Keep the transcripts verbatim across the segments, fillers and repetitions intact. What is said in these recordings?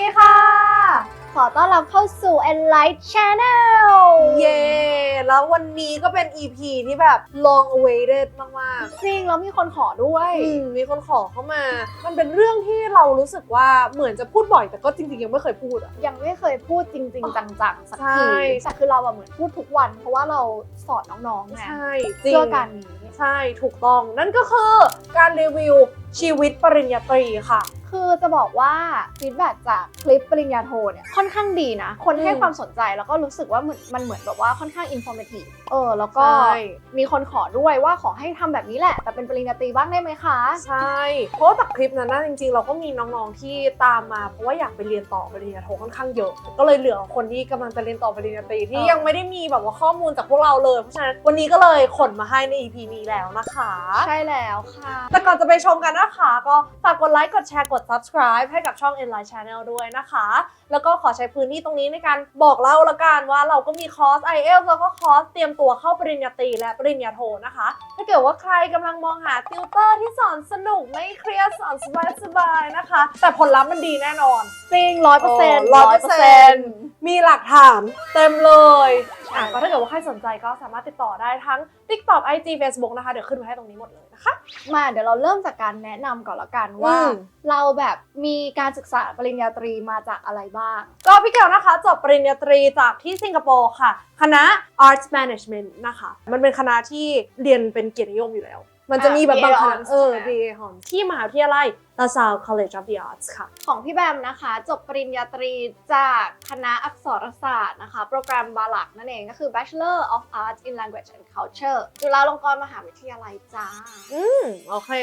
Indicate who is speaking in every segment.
Speaker 1: ดีค่ะขอต้อนรับเข้าสู่ Enlight Channel
Speaker 2: เย้แล้ววันนี้ก็เป็น อี พี ที่แบบ long awaited มากๆ
Speaker 1: จริงแล้วมีคนขอด้วย
Speaker 2: อืมมีคนขอเข้ามา มันเป็นเรื่องที่เรารู้สึกว่าเหมือนจะพูดบ่อยแต่ก็จริงๆยังไม่เคยพูดอ่ะ
Speaker 1: ยังไม่เคยพูดจริงๆ จังๆ สัก
Speaker 2: ใช่
Speaker 1: ทีแต่คือเราอะเหมือนพูดทุกวัน เพราะว่าเราสอนน้องๆไง
Speaker 2: ใช่จริง
Speaker 1: เพื่อการนี้
Speaker 2: ใช่ถูกต้องนั่นก็คือการรีวิวชีวิตปริญญาตรีค่ะ
Speaker 1: คือจะบอกว่าฟีดแบ็กจากคลิปปริญญาโทเนี่ยค่อนข้างดีนะ คนให้
Speaker 2: อืม
Speaker 1: ความสนใจแล้วก็รู้สึกว่ามันมันเหมือนแบบว่าค่อนข้างอินโฟเมทีฟเออแล้วก็
Speaker 2: ใช่
Speaker 1: มีคนขอด้วยว่าขอให้ทำแบบนี้แหละ แต่เป็นปริญญาตรีบ้างได้ไหมคะ
Speaker 2: ใช่เพราะว่าจากคลิปนั้นนะจริงๆเราก็มีน้องๆที่ตามมาเพราะว่าอยากไปเรียนต่อปริญญาโทค่อนข้างเยอะก็เลยเหลือคนที่กำลังจะเรียนต่อปริญญาตรีที่
Speaker 1: เออ
Speaker 2: ยังไม่ได้มีแบบว่าข้อมูลจากพวกเราเลยเพราะฉะนั้นวันนี้ก็เลยขนมาให้ใน อี พี นี้แล้วนะคะ
Speaker 1: ใช่แล้วค่ะ
Speaker 2: แต่ก่อนจะไปชมกันนะคะก็ฝากกดไลค์กดแชร์กด subscribe ให้กับช่อง Enlight Channel ด้วยนะคะ แล้วก็ขอใช้พื้นที่ตรงนี้ในการบอกเล่าละกันว่าเราก็มีคอร์ส ไอ เอล แล้วก็คอร์สเตรียมตัวเข้าปริญญาตรีและปริญญาโทนะคะ ถ้าเกิดว่าใครกำลังมองหาติวเตอร์ที่สอนสนุกไม่เครียดสอนสบายๆนะคะ แต่ผลลัพธ์มันดีแน่นอน
Speaker 1: จริงร้อยเปอร์เซ็นต์
Speaker 2: ร้อยเปอร์เซ็นต์ มีหลักฐานเต็มเลย อ่ะก็ถ้าเกิดว่าใครสนใจก็สามารถติดต่อได้ทั้ง TikTok ไอ จี Facebook นะคะเดี๋ยวขึ้นไว้ให้ตรงนี้หมดเลยนะคะ
Speaker 1: มาเดี๋ยวเราเริ่มจากการแนะนำก่อนละกันว่า
Speaker 2: อืม
Speaker 1: เราแบบมีการศึกษาปริญญาตรีมาจากอะไรบ้าง
Speaker 2: ก็พี่เกลนะคะจบปริญญาตรีจากที่สิงคโปร์ค่ะ คณะ Arts Management นะคะ มันเป็นคณะที่เรียนเป็นเกียรตินิยมอยู่แล้ว มันจะมีแบบบางคณะ
Speaker 1: อ่า
Speaker 2: เออ
Speaker 1: บี เอ Hons
Speaker 2: ดีฮอนที่มหาวิทยาลัย LaSalle College of the Arts ค่ะ
Speaker 1: ของพี่แบมนะคะ จบปริญญาตรีจากคณะอักษรศาสตร์นะคะ โปรแกรมบาลักนั่นเองก็คือ Bachelor of Arts in Language and Culture จุฬาลงกรณ์มหาวิทยาลัยจ้า
Speaker 2: อืม โอเค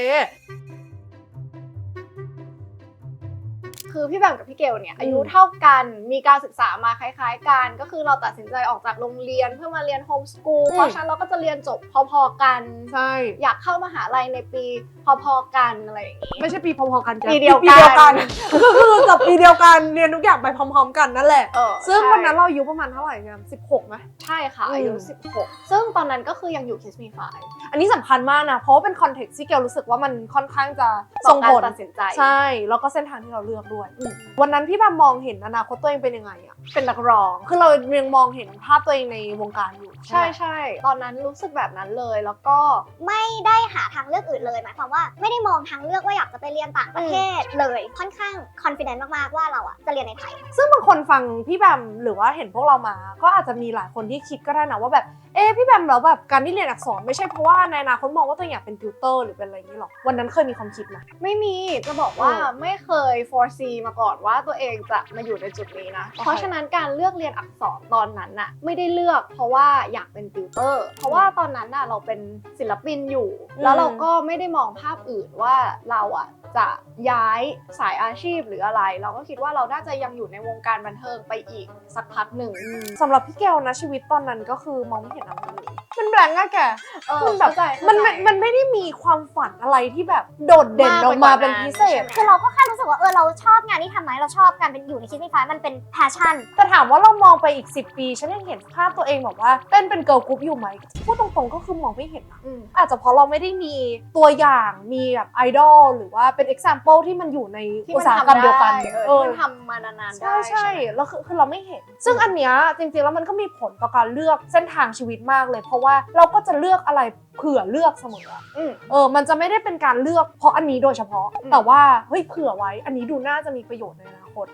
Speaker 1: คือพี่แบมกับพี่เกลเนี่ยอายุเท่ากันมีการศึกษามาคล้ายๆกัน ก็คือเราตัดสินใจออกจากโรงเรียนเพื่อมาเรียนโฮมสกูล
Speaker 2: อืม
Speaker 1: เพราะฉะนั้นเราก็จะเรียนจบพอๆกัน
Speaker 2: ใช่
Speaker 1: อยากเข้ามหาลัยในปีพอๆกันอะไรอย่างนี้
Speaker 2: ไม่ใช่ปีพอๆกันจ้ะ
Speaker 1: ปีเดียวกัน
Speaker 2: ปีเดียวกันก็คือจบปีเดียวกันเรียนทุกอย่างไปพร้อมๆกันนั่นแหละ
Speaker 1: เออ
Speaker 2: ซึ่ง
Speaker 1: ใช่
Speaker 2: วันนั้นเราอายุประมาณเท่าไหร่กันสิบหกไหม
Speaker 1: ใช่ค่ะ
Speaker 2: อืม
Speaker 1: อายุสิบหกซึ่งตอนนั้นก็คือยังอยู่ Kiss Me Five
Speaker 2: อันนี้สำคัญมากนะ เพราะว่าเป็นคอนเท็กซ์ที่เกลรู้สึกว่ามันค่อนข้างจะ
Speaker 1: ส่
Speaker 2: ส่
Speaker 1: ง
Speaker 2: ง
Speaker 1: ผ
Speaker 2: ผ
Speaker 1: ล
Speaker 2: ล
Speaker 1: ตัดสินใจ
Speaker 2: ใช่ แล้วก็เส้นทางที่เราเลือกด้วย วันนั้นพี่แบบมองเห็นอนาคตตัวเองเป็นยังไงอะ
Speaker 1: เป็นนักร้อง
Speaker 2: คือเรายังมองเห็นภาพตัวเองในวงการอยู่
Speaker 1: ใช่
Speaker 2: ไหม
Speaker 1: ใช่ตอนนั้นรู้สึกแบบนั้นเลยแล้วก็
Speaker 3: ไม่ได้หาทางเลือกอื่นเลยหมายความว่าไม่ได้มองทางเลือกว่าอยากจะไปเรียนต่างประเทศเลยค่อนข้างคอนฟ ident มากๆว่าเราอ่ะจะเรียนในไทย
Speaker 2: ซึ่งบางคนฟังพี่แบมหรือว่าเห็นพวกเรามา ก็อาจจะมีหลายคนที่คิดก็ได้นะว่าแบบ เอ๊ะพี่แบมแล้วแบบการที่เรียนอักษรไม่ใช่เพราะว่าในอนาคตมองว่าตัวเองอยากเป็นติวเตอร์หรือเป็นอะไรอย่างนี้หรอก วันนั้นเคยมีความคิดไหม
Speaker 1: ไม่มีจะบอกว่า
Speaker 2: เออ
Speaker 1: ไม่เคย foresee มาก่อนว่าตัวเองจะมาอยู่ในจุดนี้นะ
Speaker 2: โอเค
Speaker 1: เพราะฉะนั้นการเลือกเรียนอักษรตอนนั้นน่ะไม่ได้เลือกเพราะว่าอยากเป็นติวเตอร์เพราะว่าตอนนั้นน่ะเราเป็นศิลปินอยู่
Speaker 2: อืม
Speaker 1: แล้วเราก็ไม่ได้มองภาพอื่นว่าเราอ่ะจะย้ายสายอาชีพหรืออะไร เราก็คิดว่าเราน่าจะยังอยู่ในวงการบันเทิงไปอีกสักพักหนึ่ง
Speaker 2: สำหรับพี่แกวนะชีวิตตอนนั้นก็คือมองไม่เห็นอะไรเลยมันแบงก์อะแก
Speaker 1: เออ
Speaker 2: มันแบบ
Speaker 1: เข้าใจเข้าใจ
Speaker 2: มันมันมันไม่ได้มีความฝันอะไรที่แบบโดดเด่นออกมาเป็นพิเศษ
Speaker 3: คือเราก็แค่รู้สึกว่าเออเราชอบงานที่ทำไหมเราชอบการเป็นอยู่ในคิดมีไฟมันเป็นแพชชั่น
Speaker 2: แต่ถามว่าเรามองไปอีกสิบปี ฉันยังเห็นภาพตัวเองแบบว่าเต้นเป็นเกิร์ลกรุ๊ปอยู่ไหมพูดตรงๆก็คือมองไม่เห็นนะ
Speaker 1: อืม
Speaker 2: อาจจะเพราะเราไม่ได้มีตัวอย่างมีแบบไอดอลหรือว่าเป็น example ที่มันอยู่ใน
Speaker 1: ที่
Speaker 2: อุ
Speaker 1: มั
Speaker 2: ต
Speaker 1: น
Speaker 2: สาห
Speaker 1: ทำ
Speaker 2: กรรมเดียวกัน
Speaker 1: ได้เออ
Speaker 2: เออ
Speaker 1: ที่มันทำมานานๆได้
Speaker 2: ใช่ใช่
Speaker 1: ไหม
Speaker 2: แล้วคือคือเราไม่เห็น ซึ่งอันเนี้ยจริงๆแล้วมันก็มีผลต่อการเลือกเส้นทางชีวิตมากเลย เพราะว่าเราก็จะเลือกอะไรเผื่อเลือกเสมออะ
Speaker 1: อืม
Speaker 2: เออ มันจะไม่ได้เป็นการเลือกเพราะอันนี้โดยเฉพาะ
Speaker 1: อืม
Speaker 2: แต่ว่าเฮ้ยเผื่อไว้ อันนี้ดูน่าจะมีประโยชน์ในอนาคต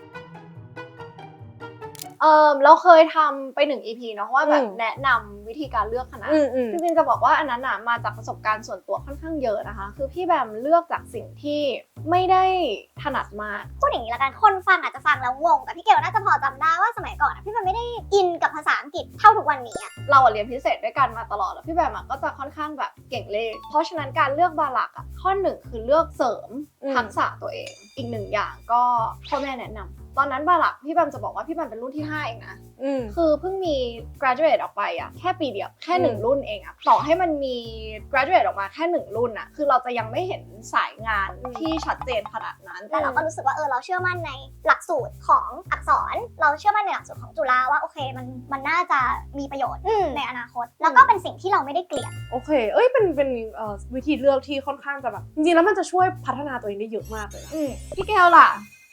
Speaker 1: เออเราเคยทำไปหนึ่ง อี พี เนาะว่าแบบ
Speaker 2: อืม
Speaker 1: แนะนำวิธีการเลือกคณะ
Speaker 2: อืมอืม
Speaker 1: จริงๆจะบอกว่าอันนั้นนะมาจากประสบการณ์ส่วนตัวค่อนข้างเยอะนะคะ คือพี่แบมเลือกจากสิ่งที่ไม่ได้ถนัดมาก
Speaker 3: พูดอย่างนี้ละกันคนฟังอาจจะฟังแล้วงงแต่พี่เกลน่าจะพอจำได้ว่าสมัยก่อนอะพี่มันไม่ได้อินกับภาษาอังกฤษเท่าทุกวันนี้อะ
Speaker 1: เราอะเรียนพิเศษด้วยกันมาตลอดแล้วพี่แบมอะก็จะค่อนข้างแบบเก่งเลข เพราะฉะนั้นการเลือกบาลักอะข้อหนึ่งคือเลือกเสริม
Speaker 2: อืม
Speaker 1: ทักษะตัวเอง อีกหนึ่งอย่างก็พ่อแม่แนะนำตอนนั้นบาลักพี่แบมจะบอกว่าพี่แบมเป็นรุ่นที่ห้าเองนะ
Speaker 2: อืม
Speaker 1: คือเพิ่งมี graduate ออกไปอะแค่ปีเดียวแค่หนึ่ง
Speaker 2: อืม
Speaker 1: รุ่นเองอะต่อให้มันมี graduate ออกมาแค่หนึ่งรุ่นอะคือเราจะยังไม่เห็นสายงาน
Speaker 2: อืม
Speaker 1: ที่ชัดเจนขนาดนั้น
Speaker 3: แต่เราก็รู้สึกว่าเออเราเชื่อมั่นในหลักสูตรของอักษร เราเชื่อมั่นในหลักสูตรของจุฬาว่าโอเคมันมันน่าจะมีประโยชน์ในอนาคต แล้วก็เป็นสิ่งที่เราไม่ได้เกลียด
Speaker 2: โอเค เอ้ย เป็น เป็นเอ่อวิธีเลือกที่ค่อนข้างจะแบบ จริงๆ แล้วมันจะช่วยพัฒนาตัวเองได้เยอะมากเลยนะ
Speaker 1: อืมพี่แก้วล่ะ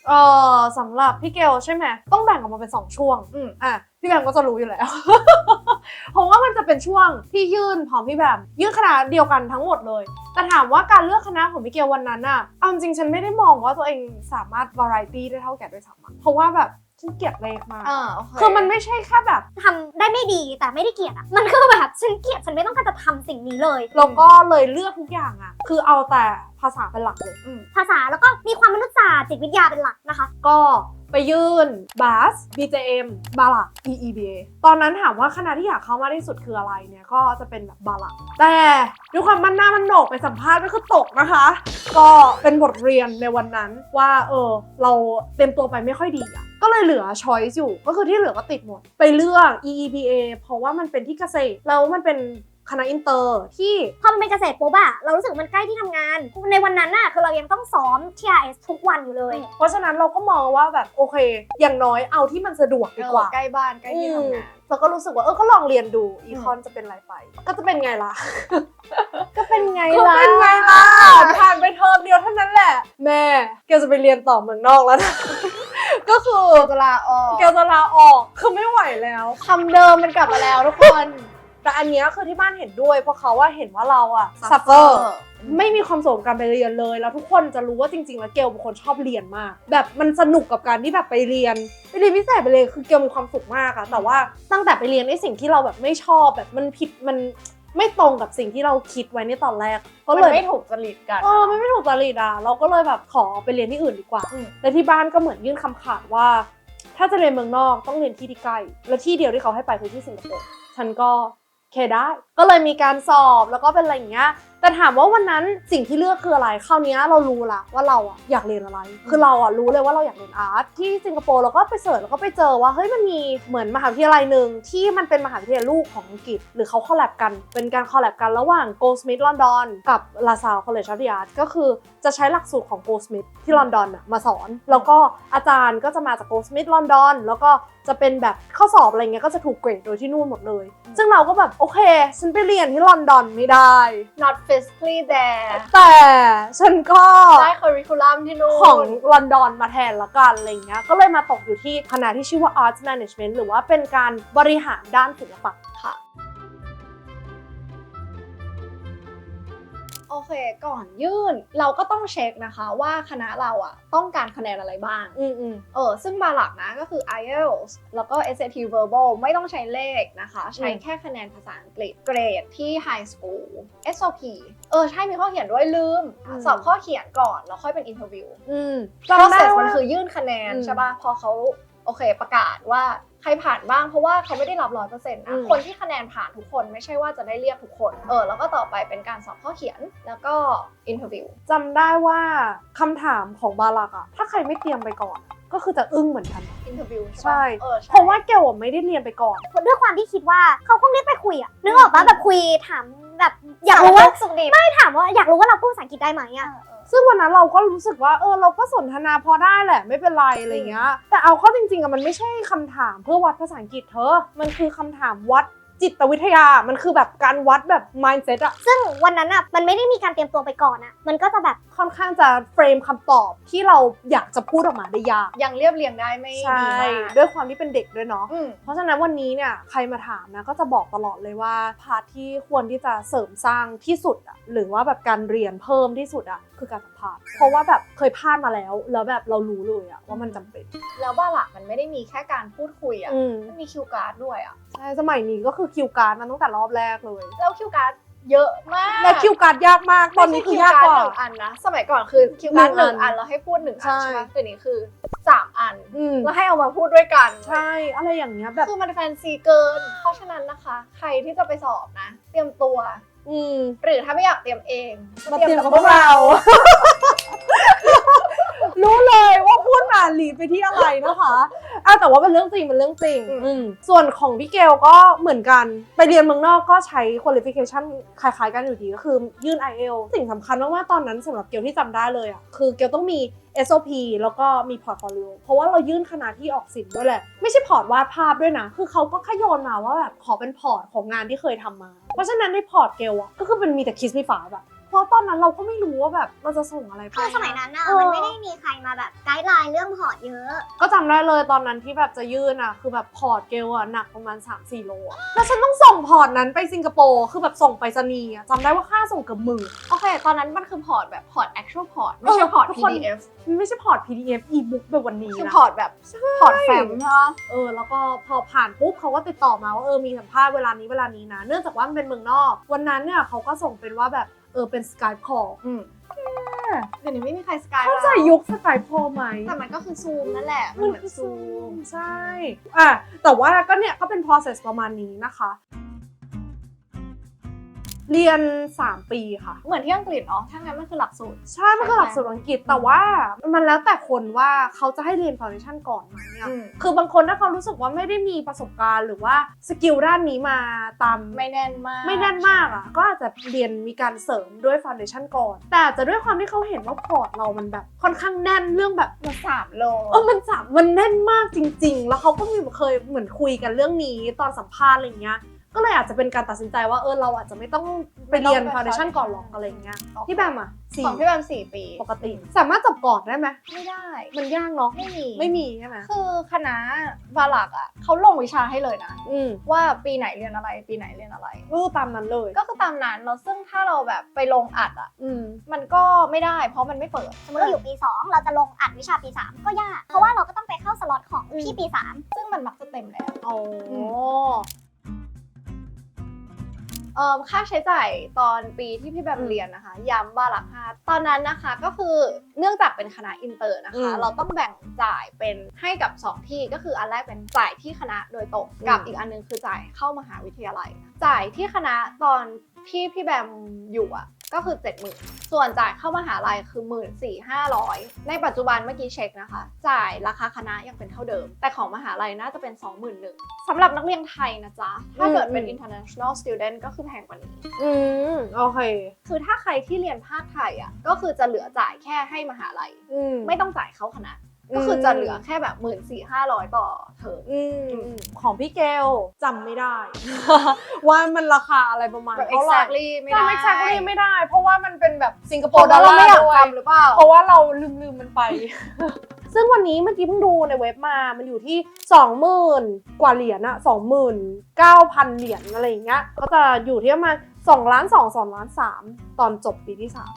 Speaker 2: เออสำหรับพี่เกลใช่ไหมต้องแบ่งออกมาเป็นสองช่วง
Speaker 1: อืม
Speaker 2: อ่ะพี่แบมก็จะรู้อยู่แล้ว เพราะว่ามันจะเป็นช่วงที่ยื่นพร้อมพี่แบมยื่นคณะเดียวกันทั้งหมดเลยแต่ถามว่าการเลือกคณะของพี่เกลวันนั้นอะเอาจริงฉันไม่ได้มองว่าตัวเองสามารถ variety ได้เท่าแกด้วยซ้ำเพราะว่าแบบฉันเกลียดเลขมาก
Speaker 1: อ่าโอเค
Speaker 2: คือมันไม่ใช่แค่แบบ
Speaker 3: ทำได้ไม่ดีแต่ไม่ได้เกลียดอ่ะมันคือแบบฉันเกลียดฉันไม่ต้องการจะทำสิ่งนี้เลย
Speaker 2: เราก็เลยเลือกทุกอย่างอะคือเอาแต่ภาษาเป็นหลักเลย
Speaker 3: ภาษาแล้วก็มีความมนุษยศาสตร์จิตวิทยาเป็นหลักนะคะ
Speaker 2: ก็ไปยื่น บาส บี เจ เอ็ม บาลัก อี อี บี เอ ตอนนั้นถามว่าคณะที่อยากเข้ามากที่สุดคืออะไรเนี่ยก็จะเป็นแบบบาลักแต่ด้วยความมันหน้ามันโหนกไปสัมภาษณ์ก็คือตกนะคะ ก็เป็นบทเรียนในวันนั้นว่าเออเราเต็มตัวไปไม่ค่อยดีอะก็เลยเหลือช้อยส์อยู่ก็คือที่เหลือก็ติดหมดไปเลือก อี อี บี เอ เพราะว่ามันเป็นที่เกษตรแล้วมันเป็นคณะอินเตอร์ที่
Speaker 3: พอมันเป็นเกษตรปุ๊บอะเรารู้สึกมันใกล้ที่ทำงาน ในวันนั้นน่ะคือเรายังต้องซ้อม ที อาร์ เอส ทุกวันอยู่เลย
Speaker 2: เพราะฉะนั้นเราก็มองว่าแบบโอเค อย่างน้อยเอาที่มันสะดวกดีกว่า
Speaker 1: ใกล้บ้านใกล้ที่ทำงาน
Speaker 2: แล้วก็รู้สึกว่าเออก็ลองเรียนดูอีคอนจะเป็นอะไรไป ก็จะเป็นไงล่ะ
Speaker 1: ก็เป็นไง
Speaker 2: ก็
Speaker 1: ล่ะ
Speaker 2: เป็นไงล่ะผ่านไปเทอมเดียวเท่านั้นแหละ แม่เกลจะไปเรียนต่อเมืองนอกแล้วนะ ก็คือ
Speaker 1: จะลาออก
Speaker 2: เกลจะลาออกคือไม่ไหวแล้ว
Speaker 1: คำเดิมมันกลับมาแล้วทุกคน
Speaker 2: แต่อันเนี้ยคือที่บ้านเห็นด้วยเพราะเขาว่าเห็นว่าเราอะซัฟเฟอ
Speaker 1: suffer
Speaker 2: ร์ไม่มีความสุขกับการไปเรียนเลย แล้วทุกคนจะรู้ว่าจริงๆแล้วเกลเป็นคนชอบเรียนมาก แบบมันสนุกกับการที่แบบไปเรียนไปเรียนพิเศษไปเลยคือเกลมีความสุขมากอะแต่ว่าตั้งแต่ไปเรียนไอ้สิ่งที่เราแบบไม่ชอบแบบมันผิดมันไม่ตรงกับสิ่งที่เราคิดไว้ในตอนแรกก็
Speaker 1: มัน
Speaker 2: เลย
Speaker 1: ไม่ถูกจริตกัน
Speaker 2: เออมันไม่ถูกจริตอะเราก็เลยแบบขอไปเรียนที่อื่นดีกว่า
Speaker 1: อืม
Speaker 2: และที่บ้านก็เหมือนยื่นคำขาดว่า ถ้าจะเรียนเมืองนอกต้องเรียนที่ที่ใกล้และที่เดียวที่เขาให้ไปคือที่สิงคโปร์ฉันก็โอเคได้ ก็เลยมีการสอบแล้วก็เป็นอะไรอย่างเงี้ยแต่ถามว่าวันนั้นสิ่งที่เลือกคืออะไรคราวนี้เรารู้ละว่าเราอะอยากเรียนอะไร คือเราอะรู้เลยว่าเราอยากเรียนอาร์ตที่สิงคโปร์เราก็ไปเสิร์ชแล้วก็ไปเจอว่าเฮ้ยมันมีเหมือนมหาวิทยาลัยหนึ่งที่มันเป็นมหาวิทยาลัยลูกของอังกฤษหรือเขาคอลแลบกันเป็นการคอลแลบกันระหว่าง Goldsmith London กับ LaSalle College of the Arts ก็คือจะใช้หลักสูตรของ Goldsmith ที่ลอนดอนอะมาสอนแล้วก็อาจารย์ก็จะมาจาก Goldsmith London แล้วก็จะเป็นแบบข้อสอบอะไรเงี้ยก็จะถูกเกรดโดยที่นู่นหมดเลยซึ่งเราก็แบบโอเคฉันไปเรียนที่ลอนดอนไม่ได้
Speaker 1: not physically there
Speaker 2: แต่ฉันก็
Speaker 1: ได้ curriculum ที่นู่น
Speaker 2: ของลอนดอนมาแทนละกันอะไรเงี้ยก็เลยมาตกอยู่ที่คณะที่ชื่อว่า Arts Management หรือว่าเป็นการบริหารด้านศิลปะ
Speaker 1: ค่ะโอเคก่อนยื่นเราก็ต้องเช็คนะคะว่าคณะเราอะต้องการคะแนนอะไรบ้าง
Speaker 2: อืมอืม
Speaker 1: เออซึ่งมาหลักนะก็คือ ไอ เอล ที เอส แล้วก็ เอส เอ ที Verbal ไม่ต้องใช้เลขนะคะ ใช้
Speaker 2: อืม
Speaker 1: แค่คะแนนภาษาอังกฤษเกรดที่ High School เอส โอ พี เออใช่มีข้อเขียนด้วยลืม
Speaker 2: อืม
Speaker 1: สอบข้อเขียนก่อนแล้วค่อยเป็น Interview
Speaker 2: อืม
Speaker 1: process มันคือยื่นคะแนน
Speaker 2: อืม
Speaker 1: ใช่ป่ะพอเขาโอเคประกาศว่าใครผ่านบ้างเพราะว่าเขาไม่ได้รับร้อยเปอร์เซ็นต์
Speaker 2: อื
Speaker 1: นะ
Speaker 2: ม
Speaker 1: คนที่คะแนนผ่านทุกคนไม่ใช่ว่าจะได้เรียกทุกคนเออแล้วก็ต่อไปเป็นการสอบข้อเขียนแล้วก็ Interview
Speaker 2: จำได้ว่าคำถามของบาลักอะถ้าใครไม่เตรียมไปก่อนก็คือจะอึ้งเหมือนกัน
Speaker 1: Interview
Speaker 2: ใช่
Speaker 1: ใช่ปะเออใช่
Speaker 2: เพราะว่าเกลอะไม่ได้เรียนไปก่อน
Speaker 3: ด้วยความที่คิดว่าเขาคงเรียกไปคุยอะนึกออกปะแบบคุยถามแบบอยากรู้ว่า
Speaker 1: สุขดิบ
Speaker 3: ไม่ถามว่าอยากรู้ว่าเราพูดภาษาอังกฤษได้ไหมอะ
Speaker 2: ซึ่งวันนั้นเราก็รู้สึกว่าเออเราก็สนทนาพอได้แหละไม่เป็นไรอะไรเงี้ยแต่เอาเข้าจริงๆอะมันไม่ใช่คำถามเพื่อวัดภาษาอังกฤษเธอมันคือคำถามวัดจิตวิทยามันคือแบบการวัดแบบ mindset อะ
Speaker 3: ซึ่งวันนั้นอะมันไม่ได้มีการเตรียมตัวไปก่อนอะมันก็จะแบบ
Speaker 2: ค่อนข้างจะเฟรมคำตอบที่เราอยากจะพูดออกมาได้ยาก
Speaker 1: ยังเรียบเรียงได้ไม่
Speaker 2: ใช่
Speaker 1: ดีมาก
Speaker 2: ด้วยความที่เป็นเด็กด้วยเนาะ
Speaker 1: อืม
Speaker 2: เพราะฉะนั้นวันนี้เนี่ยใครมาถามนะก็จะบอกตลอดเลยว่าพาร์ทที่ควรที่จะเสริมสร้างที่สุดอะหรือว่าแบบการเรียนเพิ่มที่สุดอะคือการสัมภาษณ์เพราะว่าแบบเคยพลาดมาแล้วแล้วแบบเรารู้เลยอะว่ามันจำเป็น
Speaker 1: แล้วบ้าหลักมันไม่ได้มีแค่การพูดคุยอ่ะ
Speaker 2: อืม
Speaker 1: มันมีคิวการ์ดด้วยอ่ะ
Speaker 2: ใช่สมัยนี้ก็คือคิวการ์ดมันตั้งแต่รอบแรกเลย
Speaker 1: แล้วคิวการ์ดเยอะมาก
Speaker 2: และคิวการ์ดยากมากตอนนี้คือยากกว่า
Speaker 1: ไม่ใช่คิวร์ดหนึ่งอันนะ สมัยก่อนคือคิวการ์ด
Speaker 2: ห
Speaker 1: ห
Speaker 2: นึ่
Speaker 1: นึ่
Speaker 2: ง
Speaker 1: ง
Speaker 2: อั
Speaker 1: อั
Speaker 2: น
Speaker 1: นแล้วให้พูดหนึ่งอัน
Speaker 2: ใช่
Speaker 1: ใช่ไหมแต่นี้คือสามอัน
Speaker 2: อืม
Speaker 1: แล้วให้เอามาพูดด้วยกัน
Speaker 2: ใช่อะไรอย่างเงี้ยแบบ
Speaker 1: คือมันแฟนซีเกิน เพราะฉะนั้นนะคะ ใครที่จะไปสอบนะ เตรียมตัว
Speaker 2: อืม
Speaker 1: หรือถ้าไม่อยากเตรียมเอง
Speaker 2: มาเตรียมกับพวกเรา รู้เลยว่าพูดมาหลีดไปที่อะไรนะคะอ่ะแต่ว่าเป็นเรื่องจริงเป็นเรื่องจริง
Speaker 1: อืม
Speaker 2: อืมส่วนของพี่เกลก็เหมือนกันไปเรียนเมืองนอกก็ใช้ qualification คล้ายๆกันอยู่ดีก็คือยื่น ไอ เอล สิ่งสำคัญมากๆตอนนั้นสำหรับเกลที่จำได้เลยอ่ะคือเกลต้องมี เอส โอ พี แล้วก็มี portfolio เพราะว่าเรายื่นคณะที่ออกศิลป์ด้วยแหละไม่ใช่พอร์ตวาดภาพด้วยนะคือเขาก็แค่โยนมาว่าแบบขอเป็นพอร์ตของงานที่เคยทำมาเพราะฉะนั้นในพอร์ตเกลอ่ะก็คือเป็นมีแต่คิสมีฝาแบบเพราะตอนนั้นเราก็ไม่รู้ว่าแบบเราจะส่งอะไรไป
Speaker 3: คือสมัยนั้นอะ
Speaker 2: เออ
Speaker 3: มันไม่ได้มีใครมาแบบไกด์ไลน์เรื่องพอร์ตเยอะ
Speaker 2: ก็จำได้เลยตอนนั้นที่แบบจะยื่นอ่ะคือแบบพอร์ตเกลอ่ะหนักประมาณ สามสี่ โลอะแล้วฉันต้องส่งพอร์ตนั้นไปสิงคโปร์คือแบบส่งไปรษณีย์อะจำได้ว่าค่าส่งเกือบหมื่น
Speaker 1: โอเค ตอนนั้นมันคือพอร์ตแบบพอร์ต actual พอร์ตไม่ใช่พอร์ต
Speaker 2: ทุก
Speaker 1: พี
Speaker 2: คน
Speaker 1: ดี เอฟ
Speaker 2: มันไม่ใช่พอร์ต พี ดี เอฟ e-book แบบวันนี้
Speaker 1: คือ
Speaker 2: นะ
Speaker 1: พอร์ตแบบพอร์ตแฟ้มใช่ปะ
Speaker 2: เออแล้วก็พอผ่านปุ๊บเขาก็ติดต่อมาว่าเออมีสัมภาษณ์เวลานี้เวลานี้นะเนื่องจากว่ามันเป็นเมืองนอกวันนั้นเนี่ยเขาก็ส่งเป็นว่าแบบเออเป็น Skype call
Speaker 1: อืมเดี๋ยวนี้ไม่มีใครสกาย
Speaker 2: เข้าใจยุค Skype call ไหม
Speaker 1: แต่มันก็คือซูมนั่นแหละมันเหมือนซูม
Speaker 2: ใช่อ่ะแต่ว่าก็เนี่ยก็เป็น process ประมาณนี้นะคะ เรียน สาม ปีค่ะ
Speaker 1: เหมือนที่อังกฤษเนาะถ้างั้นมันคือหลักสูตร
Speaker 2: ใช่ มันคือหลักสูตรอังกฤษ แต่ว่ามันแล้วแต่คนว่าเขาจะให้เรียน foundation ก่อนไหมอะ
Speaker 1: อืม
Speaker 2: คือบางคนถ้าเขารู้สึกว่าไม่ได้มีประสบการณ์หรือว่าสกิลด้านนี้มาตาม
Speaker 1: ไม่แน่นมาก
Speaker 2: ไม่แน่นมากอ่ะ ก็อาจจะเรียนมีการเสริมด้วย foundation ก่อน แต่อาจจะด้วยความที่เขาเห็นว่าพอร์ตเรามันแบบค่อนข้างแน่นเรื่องแบบ
Speaker 1: มันสามโล
Speaker 2: เออมันจับมันแน่นมากจริง ๆ แล้วเขาก็มีเคยเหมือนคุยกันเรื่องนี้ตอนสัมภาษณ์อะไรเงี้ย ก็เลยอาจจะเป็นการตัดสินใจว่าเออเราอาจจะไม่ต้องไปเรียน foundation ก่อนหรอกอะไรเงี้ยพี่แบมอ่ะสี่
Speaker 1: ของพี่แบมสี่ปี
Speaker 2: ปกติ สามารถจบก่อนได้ไหม
Speaker 1: ไม่ได้
Speaker 2: มันยากเนาะ
Speaker 1: ไม่มี
Speaker 2: ไม่มีใช่ไหม
Speaker 1: คือคณะบาลักอ่ะเขาลงวิชาให้เลยนะ
Speaker 2: อืม
Speaker 1: ว่าปีไหนเรียนอะไร ปีไหนเรียนอะไร
Speaker 2: ก็ตามนั้นเลย
Speaker 1: ก็คือตามนั้นแล้วซึ่งถ้าเราแบบไปลงอัดอ่ะ
Speaker 2: อืม
Speaker 1: มันก็ไม่ได้เพราะมันไม่เปิด
Speaker 3: สมมติเราอยู่ปี สอง เราจะลงอัดวิชาปี สาม ก็ยาก เพราะว่าเราก็ต้องไปเข้าสล็อตของพี่ปี สาม
Speaker 1: ซึ่งมันมักจะเต็มแล้ว
Speaker 2: อ๋อ
Speaker 1: เอ่อค่าใช้จ่ายตอนปีที่พี่แบมเรียนนะคะย้ำบาลักฮาตอนนั้นนะคะก็คือเนื่องจากเป็นคณะอินเตอร์นะคะ เราต้องแบ่งจ่ายเป็นให้กับสองที่ก็คืออันแรกเป็นจ่ายที่คณะโดยตรงกับอีกอันนึงคือจ่ายเข้ามหาวิทยาลัย จ่ายที่คณะตอนที่พี่แบมอยู่อ่ะก็คือ เจ็ดหมื่น ส่วนจ่ายเข้ามหาลัยคือ หนึ่งหมื่นสี่พันห้าร้อย ในปัจจุบันเมื่อกี้เช็คนะคะจ่ายราคาคณะยังเป็นเท่าเดิมแต่ของมหาลัยน่าจะเป็น สองหมื่นหนึ่งพัน สำหรับนักเรียนไทยนะจ๊ะถ้าเกิดเป็น international student ก็คือแพงกว่านี้
Speaker 2: อืมโอเค
Speaker 1: คือถ้าใครที่เรียนภาคไทยอ่ะก็คือจะเหลือจ่ายแค่ให้มหาลัย
Speaker 2: อืม
Speaker 1: ไม่ต้องจ่ายเข้าคณะ ก็คือจะเหลือแค่แบบ หนึ่งหมื่นสี่พันห้าร้อย ต่อเทอม
Speaker 2: อืมของพี่เกลจำไม่ได้ ว่ามันราคาอะไรประมาณ
Speaker 1: แบบ
Speaker 2: เท่าไหร่
Speaker 1: exactly ไม่ได้
Speaker 2: จำ exactly ไม่ได้ เพราะว่ามันเป็นแบบสิงคโป
Speaker 1: เพราะ
Speaker 2: ร์ดอ
Speaker 1: ว่า
Speaker 2: ล
Speaker 1: เรา
Speaker 2: ลา
Speaker 1: ไม่
Speaker 2: ร์
Speaker 1: อยาก
Speaker 2: ด้วย
Speaker 1: จำหรือเปล่า
Speaker 2: เพราะว่าเราลืมลืมมันไป ซึ่งวันนี้เมื่อกี้เพิ่งดูในเว็บมา มันอยู่ที่ สองหมื่น กว่าเหรียญอะสองหมื่นเก้าพัน เหรียญอะไรอย่างเงี้ย ก็จะอยู่ที่ประมาณสองล้านสอง สองล้านสามตอนจบปีที่สาม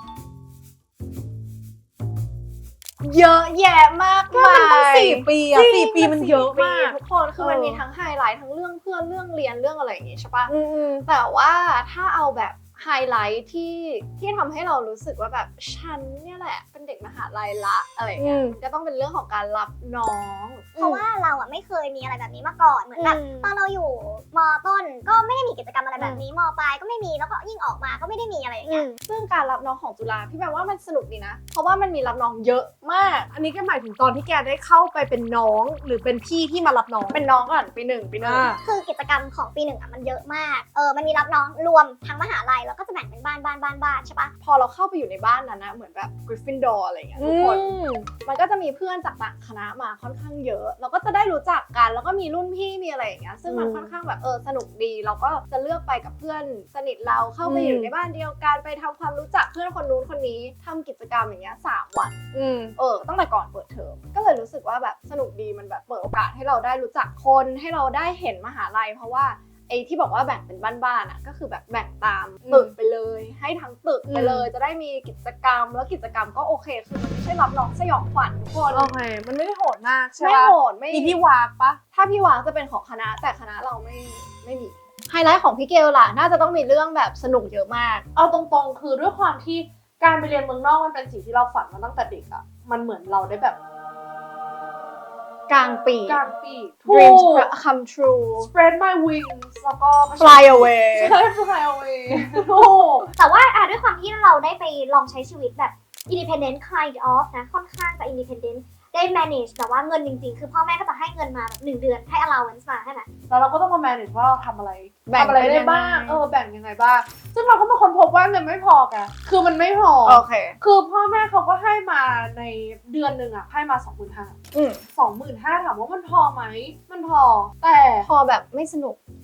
Speaker 1: เยอะแยะมาก
Speaker 2: ก็
Speaker 1: มา
Speaker 2: มันตั้ง
Speaker 1: ย
Speaker 2: สี่ปีอะ
Speaker 1: จริง
Speaker 2: สี่ปีมันเยอะมาก
Speaker 1: ทุกคนคือมัน
Speaker 2: เออ
Speaker 1: มีทั้งไฮไลท์ทั้งเรื่องเพื่อนเรื่องเรียนเรื่องอะไรอย่างงี้ใช่ปะ
Speaker 2: อืม
Speaker 1: แต่ว่าถ้าเอาแบบไฮไลท์ที่ที่ทำให้เรารู้สึกว่าแบบฉันเนี่ยแหละเป็นเด็กมหาลัยละอะไรอย่างเงี้ย
Speaker 2: อืม
Speaker 1: มันก็ต้องเป็นเรื่องของการรับน้อง
Speaker 3: เพราะว่าเราอะไม่เคยมีอะไรแบบนี้มาก่อน เหมือนแบบ
Speaker 1: อืม
Speaker 3: ตอนเราอยู่มต้นก็ไม่ได้มีกิจกรรมอะไรแบบนี้ มปลายก็ไม่มี แล้วก็ยิ่งออกมาก็ไม่ได้มีอะไรอย่างเงี้ย
Speaker 1: ซึ่งการรับน้องของจุฬาพี่แปลว่ามันสนุกดีนะ เพราะว่ามันมีรับน้องเยอะมาก
Speaker 2: อันนี้ก็หมายถึงตอนที่แกได้เข้าไปเป็นน้องหรือเป็นพี่ที่มารับน้อง
Speaker 1: เป็นน้องก่อนปีหนึ่งปีหนึ่ง
Speaker 2: อ่า
Speaker 3: คือกิจกรรมของปีหนึ่งอะมันเยอะมาก เออ มันมีรับน้องรวมทั้งมหาลัย แล้วก็จะแบ่งเป็นบ้านบ้านบ้านบ้านใช่ปะ
Speaker 1: พอเราเข้าไปอยู่ในบ้านนั้นนะเหมือนแบบกริฟฟินดอร์อะไรอย่างเงี้ยทุกคน มันก็จะมีเพื่อนจากต่างคณะมาค่อนข้างเยอะ เราก็จะได้รู้จักกันแล้วก็มีรุ่นพี่มีอะไรอย่างเงี้ยซึ่งมัน
Speaker 2: อืม
Speaker 1: ค่อนข้างแบบเออสนุกดี เราก็จะเลือกไปกับเพื่อนสนิทเราเข้าไป
Speaker 2: อืม
Speaker 1: อยู่ในบ้านเดียวกันไปทำความรู้จักเพื่อนคนนู้นคนนี้ทำกิจกรรมอย่างเงี้ยสามวัน
Speaker 2: อืม
Speaker 1: เออตั้งแต่ก่อนเปิดเทอมก็เลยรู้สึกว่าแบบสนุกดีมันแบบเปิดโอกาสให้เราได้รู้จักคนให้เราได้เห็นมหาลัยเพราะว่าไอ้ที่บอกว่าแบ่งเป็นบ้านๆอ่ะก็คือแบบแบ่งตามตึกไปเลย ให้ทั้งตึกไปเลย จะได้มีกิจกรรมแล้วกิจกรรมก็โอเคคือมันไม่ใช่รับน้องสยองขวัญทุกคน
Speaker 2: โอเค มันไม่ได้โหดมากใช่
Speaker 1: ไม่
Speaker 2: ปะ
Speaker 1: โหดไม่
Speaker 2: มีพี่วากปะ
Speaker 1: ถ้าพี่วางจะเป็นของคณะแต่คณะเราไม่ไม่มีไฮไลท์ของพี่เกลล่ะน่าจะต้องมีเรื่องแบบสนุกเยอะมาก
Speaker 2: เอาตรงๆ คือด้วยความที่การไปเรียนเมืองนอกมันเป็นสิ่งที่เราฝันมาตั้งแต่เด็กอะมันเหมือนเราได้แบบ
Speaker 1: กลางปี
Speaker 2: กลางปี
Speaker 1: dreams come true
Speaker 2: spread my wings แล้วก็
Speaker 1: fly away
Speaker 2: ใช่ fly away ถูก
Speaker 3: แต่ว่าอ่ะด้วยความที่เราได้ไปลองใช้ชีวิตแบบ independent kind of นะ ค่อนข้างจะ independent ได้ manage แต่ว่าเงินจริงๆ คือพ่อแม่ก็จะให้เงินมาแบบหนึ่งเดือนให้ allowance มาใช่ไหม
Speaker 2: แล้วเราก็ต้องมา manage ว่าเราทำอะไร
Speaker 1: แบ่ง
Speaker 2: ทำอะไร
Speaker 1: เป็น
Speaker 2: ได้
Speaker 1: ยังไง
Speaker 2: บ้าง เออ แบ่งยังไงบ้าง ซึ่งเราก็มาค้นพบว่าเงินไม่พอแกคือมันไม่พอ
Speaker 1: โอเค
Speaker 2: คือพ่อแม่เขาก็ให้มาในเดือนหนึ่งอะให้มา สองหมื่นห้าพัน
Speaker 1: อืม
Speaker 2: สองหมื่นห้าพัน ถามว่ามันพอไหม มันพอ แต่
Speaker 1: พอแบบไม่สนุก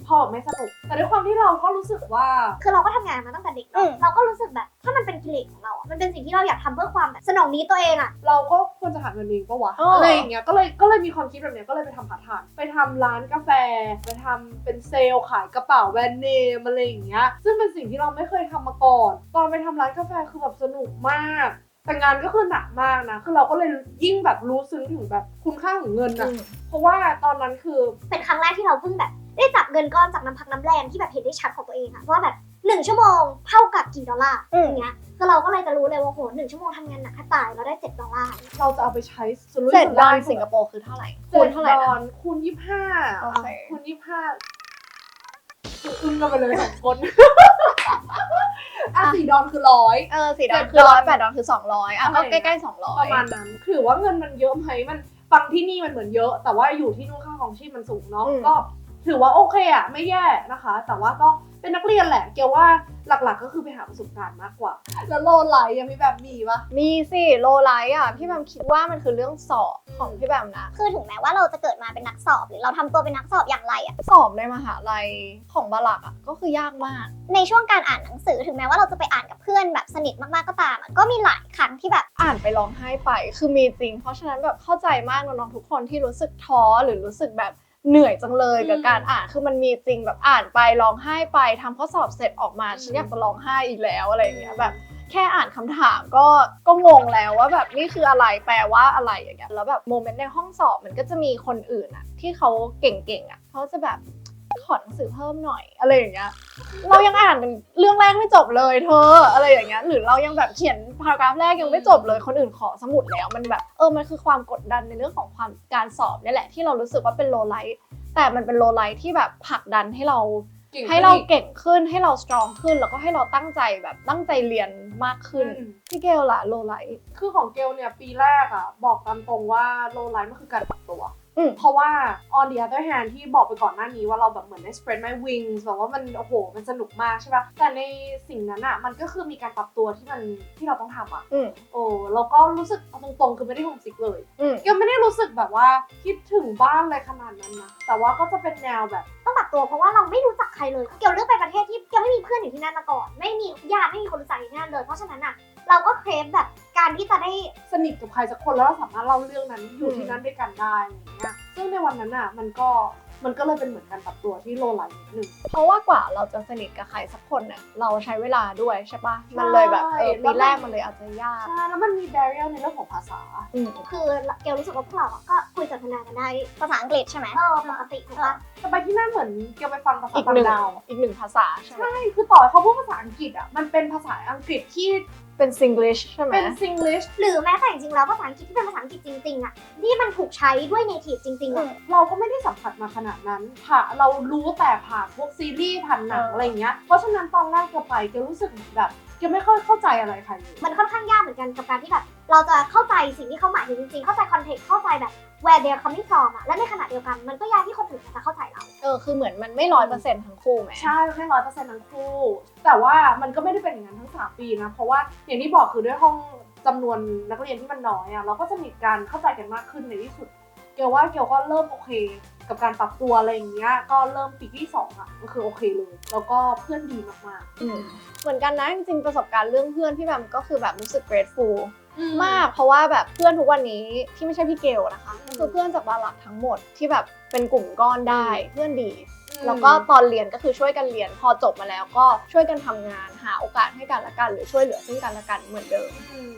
Speaker 2: พอแบบไม่สนุกแต่ด้วยความที่เราก็รู้สึกว่า
Speaker 3: คือเราก็ทำงานมาตั้งแต่เด็ก
Speaker 1: อืม
Speaker 3: เราก็รู้สึกแบบถ้ามันเป็นกิเลสของเราอะมันเป็นสิ่งที่เราอยากทำเพื่อความแบบสนองนี้ตัวเองอะ
Speaker 2: เราก็ควรจะหาเงินเองปะวะ
Speaker 1: เอออ
Speaker 2: อะไรอย่างเงี้ยก็เลยก็เลยมีความคิดแบบเนี้ยก็เลยไปทำพาร์ทไทม์ไปทำร้านกาแฟไปทำเป็นเซลล์ขายกระเป๋าแบรนด์เนมอะไรอย่างเงี้ยซึ่งเป็นสิ่งที่เราไม่เคยทำมาก่อนตอนไปทำร้านกาแฟคือแบบสนุกมากแต่งานก็คือหนักมากนะคือเราก็เลยยิ่งแบบรู้ซึ้งถึงแบบคุณค่าของเงินอะเพราะว่าตอนนั้นคือ
Speaker 3: เป็นครั้งแรกที่เราเพิ่งแบบได้จับเงินก้อนจากน้ำพักน้ำแรงที่แบบเห็นได้ชัดของตัวเองอะว่าแบบหนึ่งชั่วโมงเท่ากับกี่ดอลลาร์
Speaker 1: อืม
Speaker 3: อย่างเงี้ยคือเราก็เลยจะรู้เลยว่าโหหนึ่งชั่วโมงทำงานหนักแค่ตายเราได้เจ็ดดอลลาร์
Speaker 2: เราจะเอาไปใช้สุรุ่ย
Speaker 1: เจ็ด
Speaker 2: สุ
Speaker 1: ดอ
Speaker 2: ร่า
Speaker 1: ล
Speaker 2: ย
Speaker 1: สิงคโปร์คือเท่าไหร่
Speaker 2: คู
Speaker 1: คู
Speaker 2: ณ
Speaker 1: ณ
Speaker 2: เท่า
Speaker 1: เท่า
Speaker 2: ไห
Speaker 1: ไห
Speaker 2: ร่
Speaker 1: ร่
Speaker 2: นะ
Speaker 1: นะ
Speaker 2: คูณยี่ห้า
Speaker 1: โอเค
Speaker 2: คูณยี่ห้าคืออึ้งกันไปเลยสองคนอ่ะสี่ดอลคือร้อย
Speaker 1: เออสี่ดอล
Speaker 2: เจ็ด
Speaker 1: คือ
Speaker 2: ดอล
Speaker 1: ร้อยแปดดอลคือสองร้อยอ่ะ
Speaker 2: อะไร
Speaker 1: ก็
Speaker 2: อย่างเงี้
Speaker 1: ใกล้
Speaker 2: ย
Speaker 1: ๆสองร้อ
Speaker 2: ป
Speaker 1: ย
Speaker 2: ระมาณนั้นถือว่าเงินมันเยอะไหมมันฟังที่นี่มันเหมือนเยอะ แต่ว่าอยู่ที่นู่นค่าของชีพมันสูงเนาะก็ถือว่าโอเคอะไม่แย่นะคะ แต่ว่าก็เป็นนักเรียนแหละเกี่ยวว่าหลักๆก็คือไปหาประสบการณ์มากกว่า แล้วโลไลท์ยังมีแบบมีปะ
Speaker 1: มีสิโลไลท์อ่ะพี่แบมคิดว่ามันคือเรื่องสอบของพี่แบมนะ
Speaker 3: คือถึงแม้ว่าเราจะเกิดมาเป็นนักสอบหรือเราทำตัวเป็นนักสอบอย่างไรอะ
Speaker 1: สอบในมหาลัยของบาลักอ่ะก็คือยากมาก
Speaker 3: ในช่วงการอ่านหนังสือถึงแม้ว่าเราจะไปอ่านกับเพื่อนแบบสนิทมากๆก็ตามอะก็มีหลายครั้งที่แบบ
Speaker 1: อ่านไปร้องไห้ไปคือมีจริง เพราะฉะนั้นแบบเข้าใจมากน้องๆทุกคนที่รู้สึกท้อหรือรู้สึกแบบเหนื่อยจังเลยกับการอ่านคือมันมีจริงแบบอ่านไปร้องไห้ไปทำข้อสอบเสร็จออกมาฉันอยากจะร้องไห้อีกแล้วอะไรอย่างเงี้ยแบบแค่อ่านคำถามก็ก็งงแล้วว่าแบบนี่คืออะไรแปลว่าอะไรอย่างเงี้ยแล้วแบบโมเมนต์ในห้องสอบมันก็จะมีคนอื่นอะที่เขาเก่งๆอะเขาจะแบบขอหนังสือเพิ่มหน่อยอะไรอย่างเงี้ยเรายังอ่านเป็นเรื่องแรกไม่จบเลยเธออะไรอย่างเงี้ยหรือเรายังแบบเขียนพารากราฟแรกยังไม่จบเลยคนอื่นขอสมุดแล้วมันแบบเออมันคือความกดดันในเรื่องของความการสอบนี่แหละที่เรารู้สึกว่าเป็นโลไลท์แต่มันเป็นโลไลท์ที่แบบผลักดันให้เรา
Speaker 2: ก่ง
Speaker 1: ให้เราเก่งขึ้นให้เราสตรองขึ้นแล้วก็ให้เราตั้งใจแบบตั้งใจเรียนมากขึ้น
Speaker 2: อืม
Speaker 1: พี่เกลล่ะโลไลท์
Speaker 2: คือของเกลเนี่ยปีแรกอะบอกตามตรงว่าโลไลท์มันคือการปรับตัว
Speaker 1: อืม
Speaker 2: เพราะว่า on the other hand ที่บอกไปก่อนหน้านี้ว่าเราแบบเหมือนได้ spread my wings แบบว่ามันโอ้โหมันสนุกมากใช่ปะแต่ในสิ่งนั้นอะมันก็คือมีการปรับตัวที่มันที่เราต้องทำอะ
Speaker 1: อืม
Speaker 2: โอ้แล้วก็รู้สึกเอาตรงๆคือไม่ได้โฮมซิกเลย
Speaker 1: อืม
Speaker 2: เกลไม่ได้รู้สึกแบบว่าคิดถึงบ้านอะไรขนาดนั้นนะแต่ว่าก็จะเป็นแนวแบบ
Speaker 3: ต้องปรับตัวเพราะว่าเราไม่รู้จักใครเลยเกี่ยวเลือกไปประเทศที่เกี่ยวไม่มีเพื่อนอยู่ที่นั่นมาก่อนไม่มีญาติไม่มีคนรู้จักอยู่ที่นั่นเลยเพราะฉะนั้นอะเราก็เครฟแบบการที่จะได้
Speaker 2: สนิทกับใครสักคนแล้วเราสามารถเล่าเรื่องนั้นอยู่ที่นั่นด้วยกันได้อะไรอย่างเงี้ยซึ่งในวันนั้นอะมันก็มันก็เลยเป็นเหมือนการปรับตัวที่โลไลท์นิดนึง
Speaker 1: เพราะว่ากว่าเราจะสนิทกับใครสักคนเนี่ยเราใช้เวลาด้วยใช่ปะมันเลยแบบเออ
Speaker 2: ใช่
Speaker 1: ปีแรกมันเลยอาจจะยาก
Speaker 2: ใช่แล้วมันมี barrier ในเรื่องของภาษา
Speaker 1: อืม
Speaker 3: คือเกลรู้สึกว่าพวกเราอะก็คุยสนทนากันได้ภาษาอังกฤษใช่ไหมเออปกติถูกปะ
Speaker 2: แต่ไปที่นั่นเหมือนเกี่ยวไปฟังภาษา
Speaker 1: อีก
Speaker 2: ต่า
Speaker 1: หนึ่
Speaker 2: ง
Speaker 1: ง
Speaker 2: ดาว
Speaker 1: อีกหนึ่งภาษาใช่ไหม
Speaker 2: ใช่คือต่อให้เขาพูดภาษาอังกฤษอะมันเป็นภาษาอังกฤษที่
Speaker 1: เป็น Singlish ใช่ไหม
Speaker 2: เป็น Singlish
Speaker 3: หรือแม้แต่จริงๆแล้วภาษาอังกฤษที่เป็นภาษาอังกฤษจริงๆอะนี่มันถูกใช้ด้วย native จริงๆอะ
Speaker 2: เราก็ไม่ได้สัมผัสมาขนาดนั้นผ่าเรารู้แต่ผ่านพวกซีรีส์ผ่านหนัง
Speaker 1: เอออ
Speaker 2: อะไรอย่างเงี้ยเพราะฉะนั้นตอนแรกเกลไปเกลรู้สึกเหมือนแบบเกลไม่ค่อยเข้าใจอะไรใครเลย
Speaker 3: มันค่อนข้างยากเหมือนกันกับการที่แบบเราจะเข้าใจสิ่งที่เขาหมายถึงจริงๆ เข้าใจคอนเทกต์เข้าใจแบบ where they're coming from อะและในขณะเดียวกันมันก็ยากที่คนอื่นจะเข้าใจเรา
Speaker 1: เออคือเหมือนมันไม่ร้อยเปอร์เซ็นต์ทั้งคู่ไหม
Speaker 2: ใช่ไม่ร้อยเปอร์เซ็นต์ทั้งคู่ แต่ว่ามันก็ไม่ได้เป็นอย่างนั้นทั้งสามปีนะ เพราะว่าอย่างที่บอกคือด้วยห้องจำนวนนักเรียนที่มันน้อยอะเราก็จะมีการเข้าใจกันมากขึ้นในที่สุด เกลว่าเกลก็เริ่มโอเค กับการปรับตัวอะไรอย่างเงี้ย ก็เริ่มปีที่สองอะก็คือโอเคเลย แล้วก็เพื่อนดีมาก
Speaker 1: อืมเหมือนกันนะจริงๆประสบการณ์เรื่องเพื่อนพี่แบมก็คือแบบรู้สึก grateful
Speaker 2: ๆ
Speaker 1: มากเพราะว่าแบบเพื่อนทุกวันนี้ที่ไม่ใช่พี่เกลนะคะก็คือเพื่อนจากบาลักทั้งหมดที่แบบเป็นกลุ่มก้อนได้เพื่อนดี แล้วก็ตอนเรียนก็คือช่วยกันเรียนพอจบมาแล้วก็ช่วยกันทำงานหาโอกาสให้กันและกันหรือช่วยเหลือซึ่งกันและกันเหมือนเดิม
Speaker 2: อืม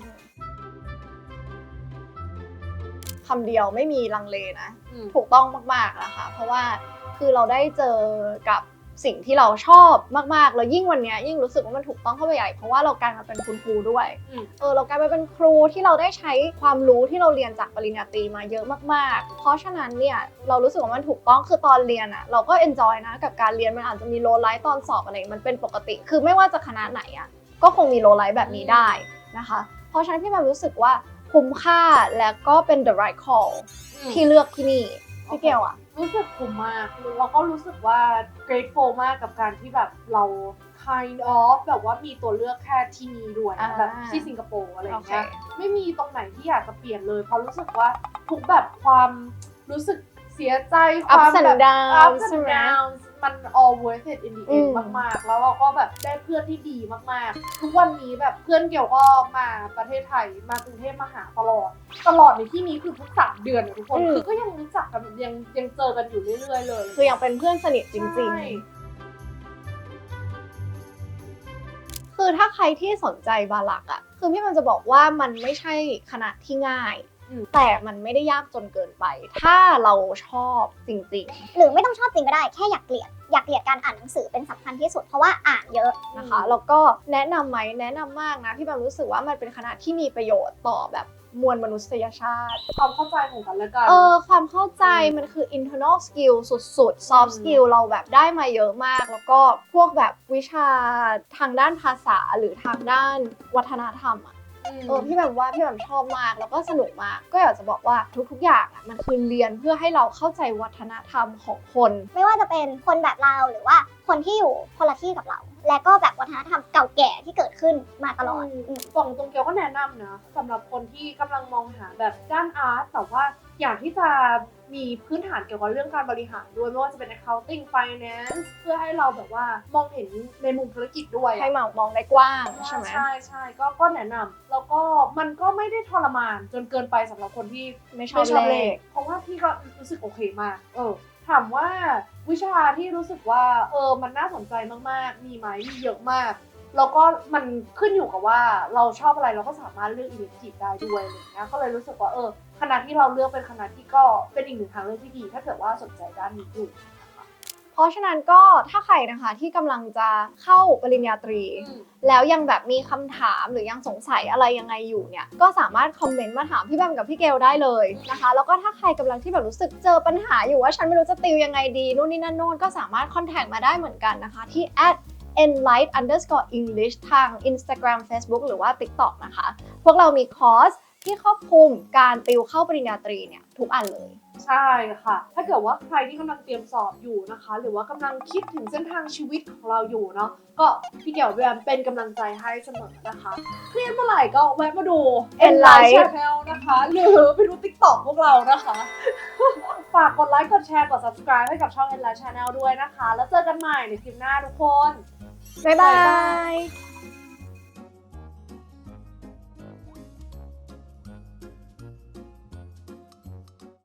Speaker 1: คำเดียวไม่มีลังเลนะ
Speaker 2: อืม
Speaker 1: ถูกต้องมากๆนะคะเพราะว่าคือเราได้เจอกับสิ่งที่เราชอบมากๆแล้วยิ่งวันนี้ยิ่งรู้สึกว่ามันถูกต้องเข้าไปใหญ่เพราะว่าเรากลายมาเป็นคุณครูด้วย
Speaker 2: อืม
Speaker 1: เออเรากลายมาเป็นครูที่เราได้ใช้ความรู้ที่เราเรียนจากปริญญาตรีมาเยอะมากๆ เพราะฉะนั้นเนี่ยเรารู้สึกว่ามันถูกต้องคือตอนเรียนอะเราก็เอนจอยนะกับการเรียนมันอาจจะมีโลไลท์ตอนสอบอะไรมันเป็นปกติ คือไม่ว่าจะคณะไหนอะก็คงมีโลไลท์แบบนี้ได้นะคะเพราะฉะนั้นที่มันรู้สึกว่าคุ้มค่าและก็เป็น the right call ที่เลือกที่นี่พี่เกลอะ
Speaker 2: รู้สึกคุ้มมากแล้วก็รู้สึกว่า grateful มากกับการที่แบบเรา kind of แบบว่ามีตัวเลือกแค่ที่นี่ด้วย
Speaker 1: อ่า
Speaker 2: แบบที่สิงคโปร์อะไรอย่างเงี้ย
Speaker 1: โอเค
Speaker 2: ไม่มีตรงไหนที่อยากจะเปลี่ยนเลยเพราะรู้สึกว่าทุกแบบความรู้สึกเสียใจความ
Speaker 1: ups and
Speaker 2: แบบ
Speaker 1: downs
Speaker 2: ups
Speaker 1: ใช่
Speaker 2: and
Speaker 1: ไหม
Speaker 2: downs มัน all worth it in the
Speaker 1: อื
Speaker 2: end
Speaker 1: ม
Speaker 2: มากๆ แล้วเราก็แบบได้เพื่อนที่ดีมากๆ ทุกวันนี้แบบเพื่อนเกี่ยวก็มาประเทศไทยมากรุงเทพมาหาตลอด ตลอดในที่นี้คือทุกสามเดือนอะทุกคน
Speaker 1: อืม
Speaker 2: คือก็ยังรู้จักกันยังยังเจอกันอยู่เรื่อยๆเลย
Speaker 1: คือยังเป็นเพื่อนสนิทจริง
Speaker 2: ใช่
Speaker 1: ๆ คือถ้าใครที่สนใจบาลักอะคือพี่มันจะบอกว่ามันไม่ใช่คณะที่ง่าย
Speaker 2: อืม
Speaker 1: แต่มันไม่ได้ยากจนเกินไป ถ้าเราชอบจริง
Speaker 3: หรือไม่ต้องชอบจริงก็ได้แค่อยากเกลียดอยากเกลียดการอ่านหนังสือเป็นสำคัญที่สุดเพราะว่าอ่านเยอะ
Speaker 1: ๆนะคะแล้วก็แนะนำไหมแนะนำมากนะพี่แบบรู้สึกว่ามันเป็นคณะที่มีประโยชน์ต่อแบบมวลมนุษยชาติ
Speaker 2: ความเข้าใจของกันและกัน
Speaker 1: เออความเข้าใจ
Speaker 2: อืม
Speaker 1: มันคือ internal skill สุดๆ soft
Speaker 2: อืม
Speaker 1: skill เราแบบได้มาเยอะมาก แล้วก็พวกแบบวิชาทางด้านภาษาหรือทางด้านวัฒนธรรมอะ เออพี่แบบว่าพี่แบบชอบมากแล้วก็สนุกมากก็อยากจะบอกว่าทุกๆอย่างอ่ะมันคือเรียนเพื่อให้เราเข้าใจวัฒนธรรมของคน
Speaker 3: ไม่ว่าจะเป็นคนแบบเราหรือว่าคนที่อยู่คนละที่กับเรา และก็แบบวัฒนธรรมเก่าแก่ที่เกิดขึ้นมาตลอด
Speaker 2: อืม
Speaker 3: อืม
Speaker 2: กล่องตรงเกียวก็แนะนำนะสำหรับคนที่กำลังมองหาแบบด้านอาร์ตแต่ว่าอยากที่จะมีพื้นฐานเกี่ยวกับเรื่องการบริหารด้วยไม่ว่าจะเป็น accounting finance เพื่อให้เราแบบว่ามองเห็นในมุมธุรกิจด้วยอะ
Speaker 1: ให้มองมองได้กว้างใช่ไหม
Speaker 2: ใช่ใช่ก็ก็แนะนำแล้วก็มันก็ไม่ได้ทรมานจนเกินไปสำหรับคนที่
Speaker 1: ไม่ชอบเลข
Speaker 2: เพราะว่าพี่ก็รู้สึกโอเคมากเออถามว่าวิชาที่รู้สึกว่าเออมันน่าสนใจมากๆมีไหมมีเยอะมากแล้วก็มันขึ้นอยู่กับว่าเราชอบอะไรเราก็สามารถเลือกอิเล็กทีฟได้ด้วยอะไรอย่างเงี้ยก็เลยรู้สึกว่าเออคณะที่เราเลือกเป็นคณะที่ก็เป็นอีกหนึ่งทางเลือกที่ดี ถ้าเกิดว่าสนใจด้านนี้อยู่
Speaker 1: เพราะฉะนั้นก็ถ้าใครนะคะที่กำลังจะเข้าปริญญาตรี แล้วยังแบบมีคำถามหรือยังสงสัยอะไรยังไงอยู่เนี่ยก็สามารถคอมเมนต์มาถามพี่แบมกับพี่เกลได้เลยนะคะแล้วก็ถ้าใครกำลังที่แบบรู้สึกเจอปัญหาอยู่ว่าฉันไม่รู้จะติวยังไงดีนู่นนี่นั่นโน่นก็สามารถคอนแทคมาได้เหมือนกันนะคะที่ at enlight underscore english ทาง Instagram Facebook หรือว่า TikTok นะคะพวกเรามีคอร์สที่ครอบคลุมการติวเข้าปริญญาตรีเนี่ยทุกอันเลย
Speaker 2: ใช่ค่ะ ถ้าเกิดว่าใครที่กำลังเตรียมสอบอยู่นะคะ หรือว่ากำลังคิดถึงเส้นทางชีวิตของเราอยู่เนาะ ก็พี่เกี่ยวแวมเป็นกำลังใจให้เสมอนะคะ เครียดเมื่อไหร่ก็แวะมาดู
Speaker 1: Enlight
Speaker 2: Channel นะคะ หรือไปดู TikTok พวกเรานะคะ ฝากกดไลค์ กดแชร์ กด subscribe ให้กับช่อง Enlight Channel ด้วยนะคะ แล้วเจอกันใหม่ในคลิปหน้าทุกคน
Speaker 1: บ๊ายบาย